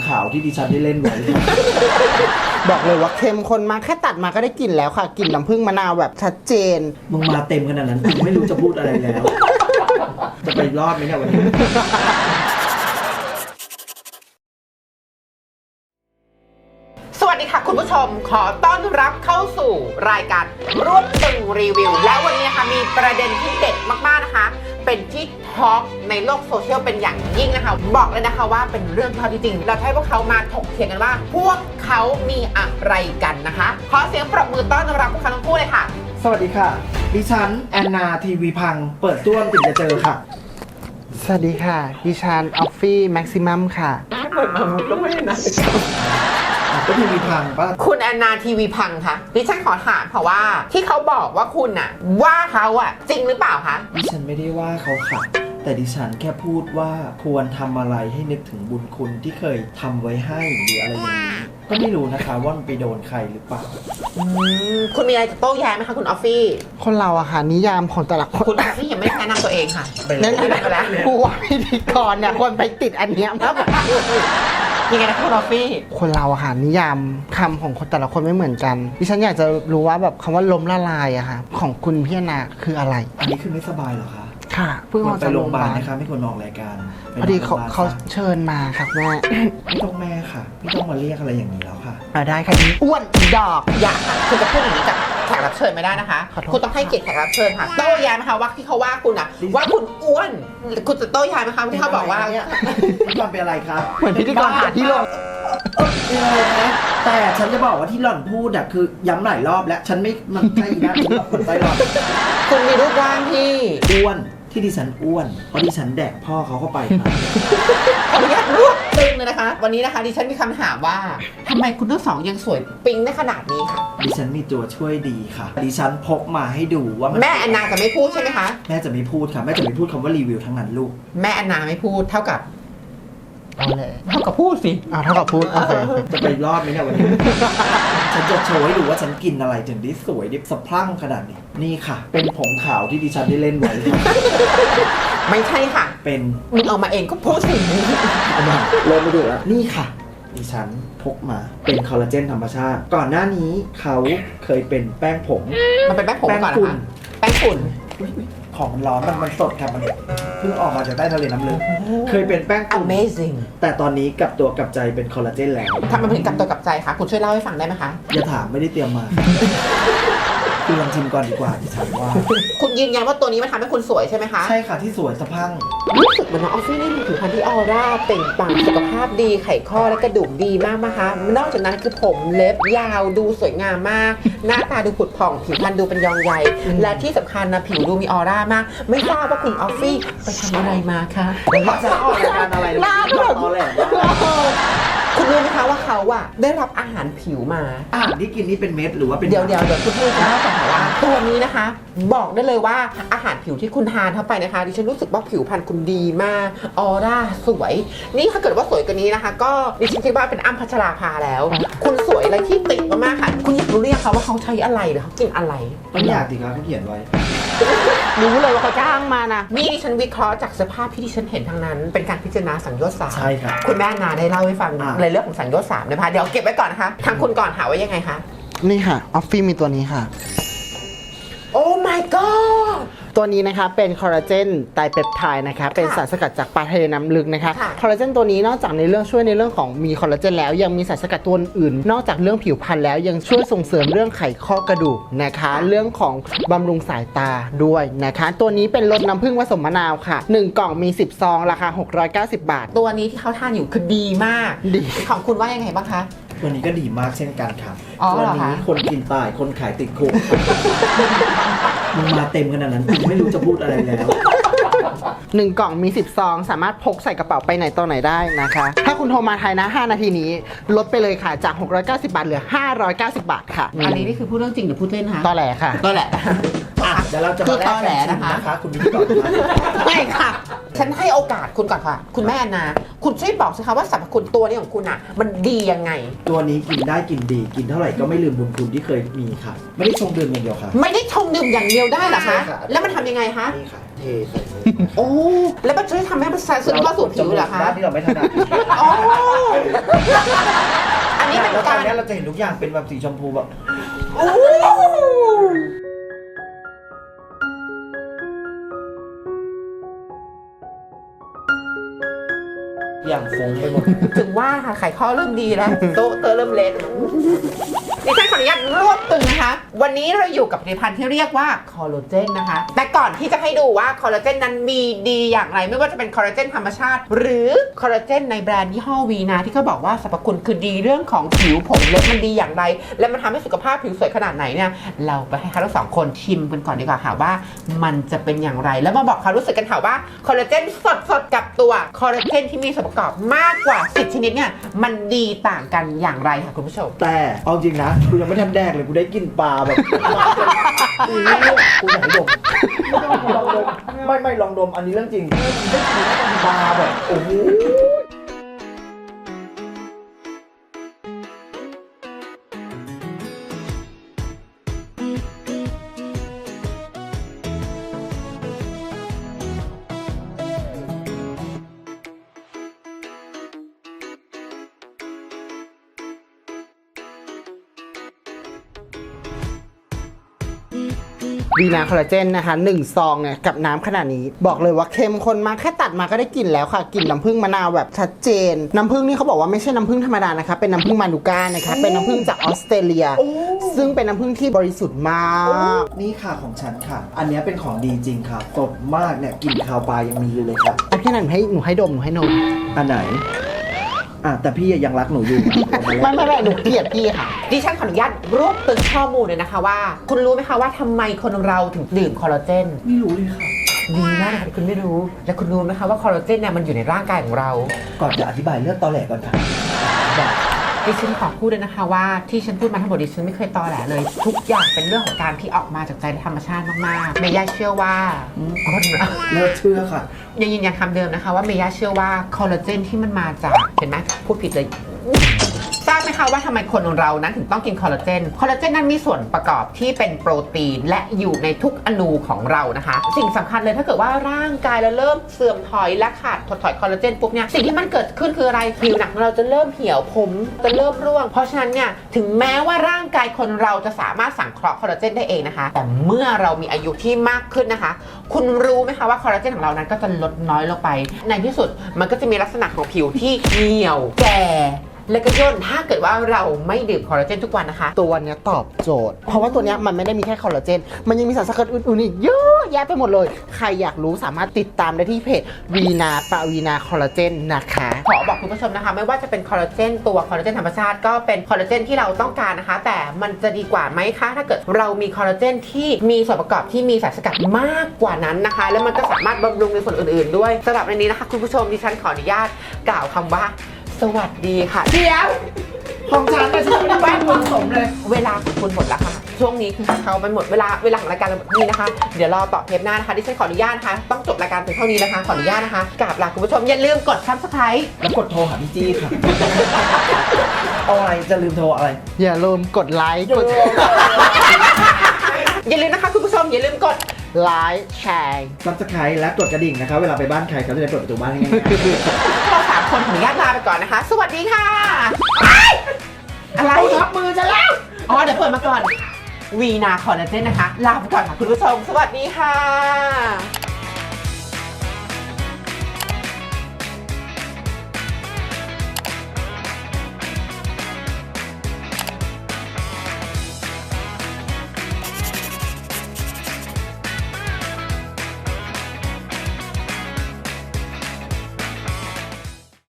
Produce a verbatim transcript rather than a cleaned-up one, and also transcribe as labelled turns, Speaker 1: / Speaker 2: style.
Speaker 1: ขาวที่ดิฉันได้เล่นไว้
Speaker 2: บอกเลยว่าเข้มข้นมากแค่ตัดมาก็ได้กลิ่นแล้วค่ะกลิ่นน้ำผึ้งมะนาวแบบชัดเจน
Speaker 1: มึงมาเต็มขนาดนั้นกูไม่รู้จะพูดอะไรแล้ว จะไปรอดไหมเนี่ยวันนี้
Speaker 3: สวัสดีค่ะคุณผู้ชมขอต้อนรับเข้าสู่รายการรวบตึงรีวิวแล้ววันนี้นะคะมีประเด็นที่เด็ดมากๆนะคะเป็นที่ท็อกในโลกโซเชียลเป็นอย่างยิ่งนะคะบอกเลยนะคะว่าเป็นเรื่องที่จริงเราให้พวกเขามาถกเถียงกันว่าพวกเขามีอะไรกันนะคะขอเสียงปรบมือต้อนรับพวกเขาทั้งคู่เลยค่ะ
Speaker 1: สวัสดีค่ะดิฉันแอนนาทีวีพังเปิดต้วมถึงจะเจอค่ะ
Speaker 2: สวัสดีค่ะดิฉันออฟฟี่แม็กซิมัมค่ะ
Speaker 3: เปิดมาก็ไม่นะ
Speaker 1: ก็ทีวีพังป่ะ
Speaker 3: คุณแอนนาทีวีพังค่ะดิฉันขอถามเพราะว่าที่เขาบอกว่าคุณอะว่าเขาอะจริงหรือเปล่าคะ
Speaker 1: ดิฉันไม่ได้ว่าเขาค่ะแต่ดิฉันแค่พูดว่าควรทำอะไรให้นึกถึงบุญคุณที่เคยทำไว้ให้หรืออะไรอย่างนี้ก็ไม่รู้นะคะว่ามันไปโดนใครหรือเปล่า
Speaker 3: คุณมีอะไรจะโต้แย้งไหมคะคุณออฟฟี่
Speaker 2: คนเราอะค่ะนิยามของแต่ละคน
Speaker 3: คุณออฟฟี่ยังไม่แนะนำตัวเองค่ะ
Speaker 2: แนะนำไปแล้วกูว่าพิธีกรเนี่ยควรไปติดอันเนี้ยมาก
Speaker 3: ยังไงนะคุณออฟฟี่
Speaker 2: คนเราอะค่ะนิยามคำของคนแต่ละคนไม่เหมือนกันดิฉันอยากจะรู้ว่าแบบคำว่าล้มละลายอะค่ะของคุณพี่นาคืออะไร
Speaker 1: อันนี้คือไม่สบายเหรอคะ
Speaker 2: ค่ะเพิ่งออกจาก
Speaker 1: โรงพยาบาลนะคะไม่ควรออกรายการ
Speaker 2: พอดีเขาเขาเชิญมาครับแม่
Speaker 1: ไม่ต้องแม่ค่ะไม่ต้องมาเรียกอะไรอย่างนี้แล้วค่ะ
Speaker 2: ได้ค่ะอ้วนดอก
Speaker 3: อย่าค่ะคุณจะพูดอย่างนี้กับแขกรับเชิญไม่ได้นะคะคุณต้องให้เกียรติแขกรับเชิญค่ะโต้แย้งไหมคะว่าที่เขาว่าคุณอะว่าคุณอ้วนคุณจะโต้แย้งไหมคะที่เขาบอกว่า
Speaker 1: พี่บอลเป็นอะไรครับ
Speaker 2: เหมือนพิธีกรหาที่ลง
Speaker 1: เป็นอะไรนะแต่ฉันจะบอกว่าที่หล่อนพูดอะคือย้ำหลายรอบแล้วฉันไม่มันใช่นะฉันแบบคนใจหล่อน
Speaker 3: คุณมีรูปร่างที่
Speaker 1: อ้วนที่ดิฉันอ้วนเพราะดิฉันแดกพ่อเขาเข้าไปครับ
Speaker 3: ขออนุญาตรวบตึงเลยนะคะวันนี้นะคะดิฉันมีคำถามว่าทำไมคุณทั้งสองยังสวยปิ๊งได้ขนาดนี้ค่ะ
Speaker 1: ดิฉันมีตัวช่วยดีค่ะดิฉันพกมาให้ดูว่า
Speaker 3: แม่แอนนาจะไม่พูดใช่ไหมคะ
Speaker 1: แม่จะไม่พูดค่ะแม่จะไม่พูดคำว่ารีวิวทั้งนั้นลูก
Speaker 3: แม่แอนนาไม่พูดเท่ากับ
Speaker 2: เอาเลย
Speaker 3: เท่ากับพูดสิ
Speaker 2: อ่าเท่ากับพูดโอเค
Speaker 1: จะไปรอดไหมเนี่ยวันนี้ฉันจะโชว์ให้ดูว่าฉันกินอะไรถึงได้สวยดิบสะพรั่งขนาดนี้นี่ค่ะเป็นผงขาวที่ดิฉันได้เล่นไว้
Speaker 3: ไม่ใช่ค่ะ
Speaker 1: เป็น
Speaker 3: มึงเอามาเองก็พูดสิ
Speaker 1: เอามาเริ่มมาดูแล้วนี่ค่ะดิฉันพกมาเป็นคอลลาเจนธรรมชาติก่อนหน้านี้เขาเคยเป็นแป้งผง
Speaker 3: มันเป็นแป้งผงก่อนนะคะแป้งฝุ่น
Speaker 1: ของมันร้อนมันมันสดครับมันเพิ่งออกมาจากใต้ทะเลน้ำลึกเคยเป็นแป้งฝุ่น
Speaker 3: Amazing
Speaker 1: แต่ตอนนี้กลับตัวกลับใจเป็นคอลลาเจนแล้ว
Speaker 3: ทำไมถึงกลับตัวกลับใจคะคุณช่วยเล่าให้ฟังได้ไหมคะ
Speaker 1: อย่าถามไม่ได้เตรียมมาคุณลองชิมก่อนดีกว่าดิฉันว่า
Speaker 3: คุณยืนยันว่าตัวนี้มันทำให้คุณสวยใช่ไหมคะ
Speaker 1: ใช่ค่ะที่สวยสะพัง
Speaker 3: รู้สึกเหมือนน้องออฟฟี่นี่มีผิวพรรณที่ออร่าเปล่งปลั่งสุขภาพดีไขข้อและกระดูกดีมากนะคะนอกจากนั้นคือผมเล็บยาวดูสวยงามมากหน้าตาดูผุดผ่องผิวพรรณดูเป็นยองใยและที่สำคัญนะผิวดูมีออร่ามากไม่ทราบว่าคุณออฟฟี่ไปทำอะไรมาคะ
Speaker 1: เราจะออกรายการอะไรล่าแบบออแหล
Speaker 3: คุณรู้ไหมคะว่าเขาอะได้รับอาหารผิวมา
Speaker 1: อาหารที่กินนี่เป็นเม็ดหรือว่าเป็น
Speaker 3: เดี๋ยวเดี๋ยวเดี๋ยวคุณพูดนะแต่ว่าตัวนี้นะคะบอกได้เลยว่าอาหารผิวที่คุณทานเข้าไปนะคะดิฉันรู้สึกว่าผิวพรรณคุณดีมากออร่าสวยนี่ถ้าเกิดว่าสวยกว่านี้นะคะก็ดิฉันคิดว่าเป็นอ้ำพัชราภาแล้วคุณสวยอะไรที่ติดมากๆค่ะคุณอยากรู้เรียกเขาว่าเขาใช้อะไรหรือเขากินอะไร
Speaker 1: ไม่อยากดิครับเขาเขียนไว้
Speaker 2: รู้เลยว่าเขาจ้างมานะ
Speaker 3: นี่ดิฉันวิเคราะห์จากสภาพที่ดิฉันเห็นทางนั้นเป็นการพิจารณาสังโยชน์สาม
Speaker 1: ใช่ค่ะ
Speaker 3: คุณแม่นาได้เล่าให้ฟังในเรื่องของสังโยชน์สามนะคะเดี๋ยวเก็บไว้ก่อนนะคะทางคุณก่อนหาว่ายังไงคะ
Speaker 2: นี่ค่ะออฟฟี่มีตัวนี้ค่ะ
Speaker 3: โอ้ my god
Speaker 2: ตัวนี้นะคะเป็นคอลลาเจนไตรเปปไทด์นะคะเป็นสารสกัดจากปลาทะเลน้ำลึกนะคะคอลลาเจนตัวนี้นอกจากในเรื่องช่วยในเรื่องของมีคอลลาเจนแล้วยังมีสารสกัดตัวอื่นนอกจากเรื่องผิวพรรณแล้วยังช่วยส่งเสริมเรื่องไขข้อกระดูกนะคะเรื่องของบำรุงสายตาด้วยนะคะตัวนี้เป็นรสน้ำผึ้งผสมมะนาวค่ะหนึ่งกล่องมีสิบซองราคาหกร้อยเก้าสิบบาท
Speaker 3: ตัวนี้ที่เขาทานอยู่คือดีมาก
Speaker 2: ดี
Speaker 3: ของคุณว่ายังไงบ้างคะ
Speaker 1: ตัวนี้ก็ดีมากเช่นกันครับ
Speaker 3: ตัว
Speaker 1: นี้คนกินตายคนขายติดคุกมึงมาเต็มขนาดนั้นกูไม่รู้จะพูดอะไรแล้ว
Speaker 2: หนึ่งกล่องมีสิบซองสามารถพกใส่กระเป๋าไปไหนต่อไหนได้นะคะถ้าคุณโทรมาไทยนะห้านาทีนี้ลดไปเลยค่ะจากหกร้อยเก้าสิบบาทเหลือห้าร้อยเก้าสิบบาทค่ะ
Speaker 3: อันนี้นี่คือพูดเรื่องจริงหรือพูดเล่นคะ
Speaker 2: ตอแหลค่ะ
Speaker 3: ตอแหล
Speaker 1: เดี๋ยวเราจะมาแลกกันนะคะคุณพิธีกร
Speaker 3: ไม่ค่ะฉันให้โอกาสคุณก่อนค่ะคุณแม่นะคุณช่วยบอกสิคะว่าสรรพคุณตัวนี้ของคุณอ่ะมันดียังไง
Speaker 1: ตัวนี้กินได้กินดีกินเท่าไหร่ก็ไม่ลืมบุญคุณที่เคยมีค่ะไม่ได้ชงดื่มอย่างเดียวค่ะ
Speaker 3: ไม่ได้ชงดื่มอย่างเดียวได้เหรอคะแล้วมันทำยังไงคะ
Speaker 1: นี่ค่ะเทใส่
Speaker 3: โอ้แล้วมันช่วยทำให้มันซึมเข้าสู่ผิวเหรอคะ
Speaker 1: ด้านที่เราไม่ถนัด
Speaker 3: อ๋อ
Speaker 1: แล้วต
Speaker 3: กั
Speaker 1: อน
Speaker 3: น
Speaker 1: นี้เราจะเห็นทุกอย่างเป็นแบบสีชมพูแบบ อย่างฟุ้งไปหมด
Speaker 3: ถึงว่าค่ะไขข้อเริ่มดีแล้ว โต๊ะเตอเริ่มเละดิฉันขออนุญาตรวบตึงนะคะ วันนี้เราอยู่กับผลิตภัณฑ์ที่เรียกว่าคอลลาเจนนะคะ แต่ก่อนที่จะให้ดูว่าคอลลาเจนนั้นมีดีอย่างไร ไม่ว่าจะเป็นคอลลาเจนธรรมชาติ หรือคอลลาเจนในแบรนด์ยี่ห้อวีนาที่เขาบอกว่าสรรพคุณคือดีเรื่องของผิวผมเล็บมันดีอย่างไร และมันทำให้สุขภาพผิวสวยขนาดไหนเนี่ยเราไปให้เขาทั้งสองคนชิมกันก่อนดีกว่าค่ะว่ามันจะเป็นอย่างไร แล้วมาบอกความรู้สึกกันค่ะว่าคอลลาเจนสดๆกับตัวคอลลาเจนที่มีส่วนประกอบมากกว่าสิบชนิดเนี่ยมันดีต่างกันอย่างไรค่ะคุณผู้ชม
Speaker 1: แต่เอาจริงนะกูยังไม่ทันแดกเลยกูได้กลินปลาแบบกูอยากให้ดมลองดมไม่ไม่ลองดมอันนี้เรื่องจริงได้กลินปลาแบบโอ้โห
Speaker 2: วีนาคอลลาเจนนะคะหนึ่งซองเนี่ยกับน้ำขนาดนี้บอกเลยว่าเข้มข้นมากแค่ตัดมาก็ได้กลิ่นแล้วค่ะกลิ่นน้ำผึ้งมะนาวแบบชัดเจนน้ำผึ้งนี่เขาบอกว่าไม่ใช่น้ำผึ้งธรรมดานะคะเป็นน้ำผึ้งมานูก้านะคะเป็นน้ำผึ้งจากออสเตรเลีย ซึ่งเป็นน้ำผึ้งที่บริสุทธิ์มาก
Speaker 1: นี่ค่ะของฉันค่ะ อันนี้เป็นของดีจริงค่ะสดมากเนี่ยกลิ่นคาวปลายังมีอยู่เลยค่ะ
Speaker 2: อันที่นั้นให้หนูให้ดมหนูให้นม
Speaker 1: อันไหนอ่ะแต่พี่ยังรักหนูอยู่
Speaker 2: ไม่ไม่ไม่หนูเกลียดพี่ค่ะ
Speaker 3: ดิฉันขออนุญาตรวบตึงข้อมูลเลยนะคะว่า คุณรู้ไหมคะว่าทำไมคนเราถึงดื่มคอลลาเจน
Speaker 1: ไม่รู้เลยค่ะ
Speaker 3: ดีมากนะคะที่คุณไม่รู้ และคุณรู้ไหมคะว่าคอลลาเจนเนี่ยมันอยู่ในร่างกายของเรา
Speaker 1: ก่อนจะอธิบายเรื่องตอแหลก่อนค่ะ
Speaker 3: ดิฉันขอพูดเลยนะคะว่าที่ฉันพูดมาทั้งหมดดิฉันไม่เคยตอแหลเลย ทุกอย่างเป็นเรื่องของการที่ออกมาจากใจธรรมชาติมากๆเมย่าเชื่อว่าคนเรา
Speaker 1: เลิกเชื่อค่ะ
Speaker 3: ยังยืนยันคำเดิมนะคะว่าเมย่าเชื่อว่าคอลลาเจนที่มันมาจากเห็นไหมพูดผิดเลยทราบไหมคะว่าทำไมคนเรานั้นถึงต้องกินคอลลาเจนคอลลาเจนนั้นมีส่วนประกอบที่เป็นโปรตีนและอยู่ในทุกอนูของเรานะคะ สิ่งสำคัญเลยถ้าเกิดว่าร่างกายเราเริ่มเสื่อมถอยและขาดถดถอยคอลลาเจนปุ๊บเนี่ยสิ่งที่มันเกิดขึ้นคืออะไรผิวหนังของเราจะเริ่มเหี่ยวผมจะเริ่มร่วงเพราะฉะนั้นเนี่ยถึงแม้ว่าร่างกายคนเราจะสามารถสังเคราะห์คอลลาเจนได้เองนะคะแต่เมื่อเรามีอายุที่มากขึ้นนะคะ คุณรู้ไหมคะว่าคอลลาเจนของเรานั้นก็จะลดน้อยลงไปในที่สุดมันก็จะมีลักษณะของผิวที่เหี่ยวแก่และก็ย่นถ้าเกิดว่าเราไม่ดื่มคอลลาเจนทุกวันนะคะ
Speaker 2: ตัวเนี้ยตอบโจทย์ เพราะว่าตัวเนี้ยมันไม่ได้มีแค่คอลลาเจน มันยังมีสารสกัดอื่นๆอีกเยอะแยะไปหมดเลย ใครอยากรู้สามารถติดตามได้ที่เพจวีนาปะวีนาคอลลาเจนนะคะ
Speaker 3: ขอบอกคุณผู้ชมนะคะไม่ว่าจะเป็นคอลลาเจนตัวคอลลาเจนธรรมชาติก็เป็นคอลลาเจนที่เราต้องการนะคะ แต่มันจะดีกว่าไหมคะถ้าเกิดเรามีคอลลาเจนที่มีส่วนประกอบที่มีสารสกัดมากกว่านั้นนะคะ แล้วมันก็สามารถบำรุงในส่วนอื่นๆด้วยสำหรับในนี้นะคะคุณผู้ชมดิฉันขออนุญาตกล่าวคำว่าสวัสดีค่ะเดี๋ยว
Speaker 1: ของฉันแต่ฉันไม่ได้แป้งผสมเลย
Speaker 3: เวลาของคุณหมดแล้วค่ะ ช่วงนี้คือเขามันหมดเวลาเวลาของรายการเราหมดนี้นะคะ เดี๋ยวรอต่อเทปหน้านะคะดิฉันขออนุญาตนะคะต้องจบรายการเพียงเท่านี้นะคะ ขออนุญาตนะคะกราบลาคุณผู้ชมอย่าลืมกด ซับสไครบ์
Speaker 1: แล้วกดโทรหาพี่จี้ค่ะ เอาอะไรจะลืมโทรอะไร
Speaker 2: อย่าลืมกดไลค์กด
Speaker 3: อย่าลืมนะคะคุณผู้ชมอย่าลืมกด
Speaker 2: ไลค์แชร์
Speaker 1: ซับสไครต์และกดกระดิ่งนะคะ เวลาไปบ้านใครเขาจะได้เปิดประตูบ้านง่าย
Speaker 3: เราสามคนขออนุญาตลาไปก่อนนะคะ สวัสดีค่ะอะไร
Speaker 1: ๆทับมือจะแล้ว
Speaker 3: อ๋อเดี๋ยวเปิดมาก่อนวีนาคอลลาเจนนะคะลาไปก่อนค่ะคุณผู้ชมสวัสดีค่ะ